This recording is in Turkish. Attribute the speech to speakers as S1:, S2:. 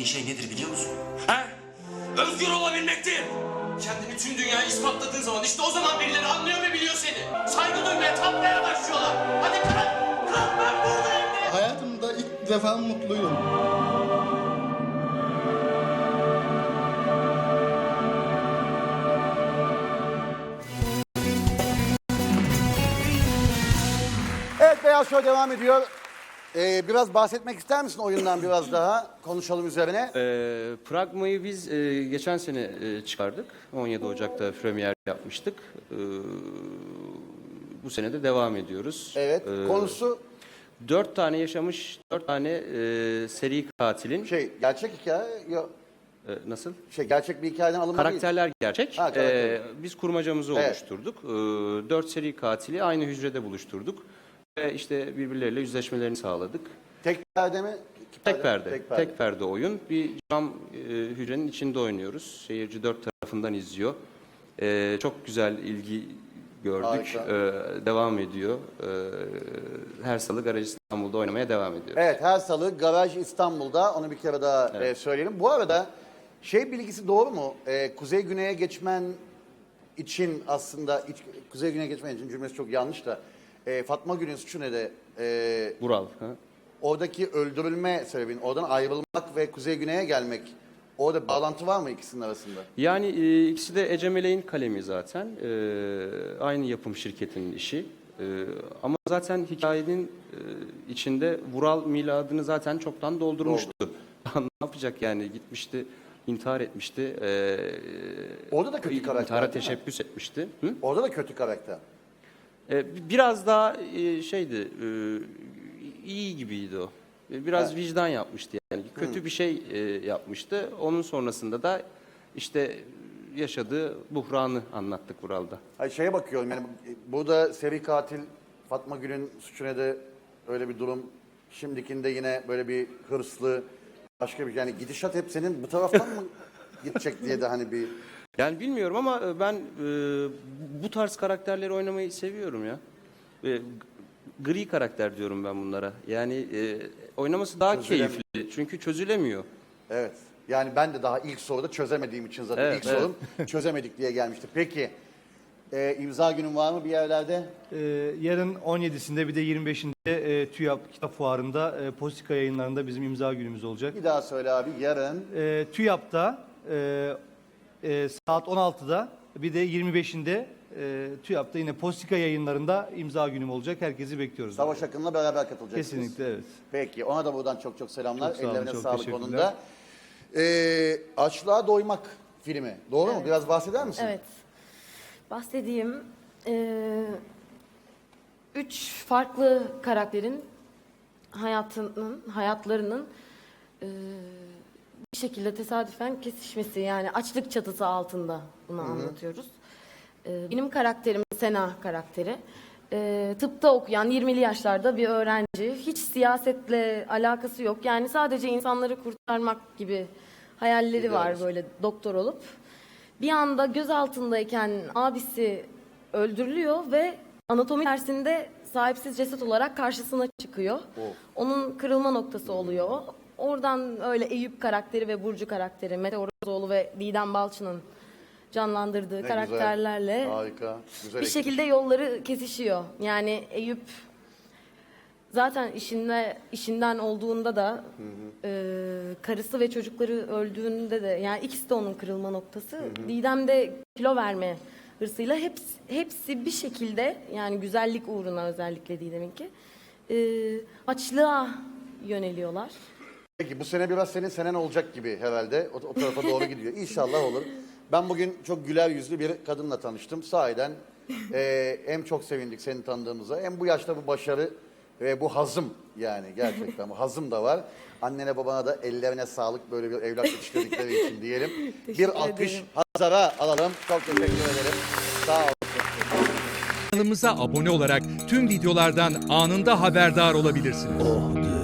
S1: istediğin şey nedir biliyor musun? He? Özgür olabilmektir. Kendini tüm dünyaya ispatladığın zaman işte o zaman birileri anlıyor ve biliyor seni. Saygı duymaya, tapmaya başlıyorlar. Hadi kalk, kalk ben buradayım.
S2: Hayatımda ilk defa mutluyum.
S3: Evet, Beyaz Show devam ediyor. Biraz bahsetmek ister misin oyundan biraz daha? Konuşalım üzerine.
S4: Pragma'yı biz geçen sene çıkardık. 17 Ocak'ta premier yapmıştık. Bu sene de devam ediyoruz.
S3: Evet, konusu
S4: 4 tane yaşamış, 4 tane seri katilin...
S3: gerçek hikaye,
S4: nasıl?
S3: Gerçek bir hikayeden alınma değil.
S4: Karakterler gerçek.
S3: Ha, karakter.
S4: Biz kurmacamızı
S3: Evet.
S4: oluşturduk. 4 seri katili aynı hücrede buluşturduk. Ve işte birbirleriyle yüzleşmelerini sağladık.
S3: Tek perde mi?
S4: Tek perde. Tek perde oyun. Bir cam hücrenin içinde oynuyoruz. Seyirci 4 tarafından izliyor. Çok güzel ilgi gördük. Devam ediyor. Her salı Garaj İstanbul'da oynamaya devam ediyoruz.
S3: Evet, her salı Garaj İstanbul'da. Onu bir kere daha söyleyelim. Bu arada bilgisi doğru mu? Kuzey Güney'e geçmen için aslında... Kuzey Güney'e geçmen için cümlesi çok yanlış da... Fatma Gül'ün suçu ne de...
S4: Vural.
S3: Oradaki öldürülme sebebin, oradan ayrılmak ve Kuzey Güney'e gelmek, orada bağlantı var mı ikisinin arasında?
S4: Yani ikisi de Ece Meleğin kalemi zaten. Aynı yapım şirketinin işi. Ama zaten hikayenin içinde Vural miladını zaten çoktan doldurmuştu. Ne yapacak yani? Gitmişti, intihar etmişti.
S3: Orada da kötü karakter.
S4: İntihara teşebbüs etmişti. Hı?
S3: Orada da kötü karakter.
S4: Biraz daha iyi gibiydi o. Biraz vicdan yapmıştı yani. Kötü bir şey yapmıştı. Onun sonrasında da işte yaşadığı buhranı anlattık Vural'da.
S3: Şeye bakıyorum yani burada seri katil Fatma Gül'ün suçu ne de öyle bir durum. Şimdikinde yine böyle bir hırslı başka bir yani gidişat hep senin bu taraftan mı gidecek diye de hani bir...
S4: Yani bilmiyorum ama ben bu tarz karakterleri oynamayı seviyorum ya. Gri karakter diyorum ben bunlara. Yani oynaması daha keyifli. Çünkü çözülemiyor.
S3: Evet. Yani ben de daha ilk soruda çözemediğim için zaten ilk sorum çözemedik diye gelmişti. Peki imza günün var mı bir yerlerde?
S5: Yarın 17'sinde bir de 25'inde TÜYAP Kitap Fuarı'nda Postika yayınlarında bizim imza günümüz olacak.
S3: Bir daha söyle abi yarın.
S5: TÜYAP'ta saat 16'da bir de 25'inde TÜYAP'ta yine Postika yayınlarında imza günüm olacak. Herkesi bekliyoruz.
S3: Savaş Akın'la beraber katılacaksınız.
S5: Kesinlikle evet.
S3: Peki ona da buradan çok çok selamlar.
S5: Çok sağ olun,
S3: Ellerine
S5: çok
S3: sağlık
S5: teşekkürler.
S3: onun da. Açlığa Doymak filmi. Doğru mu? Biraz bahseder misin?
S6: Evet. Bahsedeyim. 3 farklı karakterin hayatlarının bir şekilde tesadüfen kesişmesi, yani açlık çatısı altında bunu anlatıyoruz. Benim karakterim Sena karakteri. Tıpta okuyan 20'li yaşlarda bir öğrenci. Hiç siyasetle alakası yok. Yani sadece insanları kurtarmak gibi hayalleri var böyle doktor olup. Bir anda göz altındayken abisi öldürülüyor ve anatomi dersinde sahipsiz ceset olarak karşısına çıkıyor. Onun kırılma noktası oluyor. Oradan öyle Eyüp karakteri ve Burcu karakteri, Mete Orozoğlu ve Didem Balçı'nın canlandırdığı karakterlerle
S3: güzel, harika, güzel
S6: bir şekilde yolları kesişiyor. Yani Eyüp zaten işinden olduğunda da karısı ve çocukları öldüğünde de yani ikisi de onun kırılma noktası. Didem de kilo verme hırsıyla hepsi bir şekilde yani güzellik uğruna özellikle Didem'inki açlığa yöneliyorlar.
S3: Peki bu sene biraz senin senen olacak gibi herhalde. O tarafa doğru gidiyor. İnşallah olur. Ben bugün çok güler yüzlü bir kadınla tanıştım. Sahiden hem çok sevindik seni tanıdığımıza hem bu yaşta bu başarı ve bu hazım yani gerçekten bu hazım da var. Annene babana da ellerine sağlık böyle bir evlat yetiştirdikleri için diyelim. Bir alkış Hazar'a alalım. Çok teşekkür ederim. Sağ olun.
S7: Kanalımıza abone olarak tüm videolardan anında haberdar olabilirsiniz.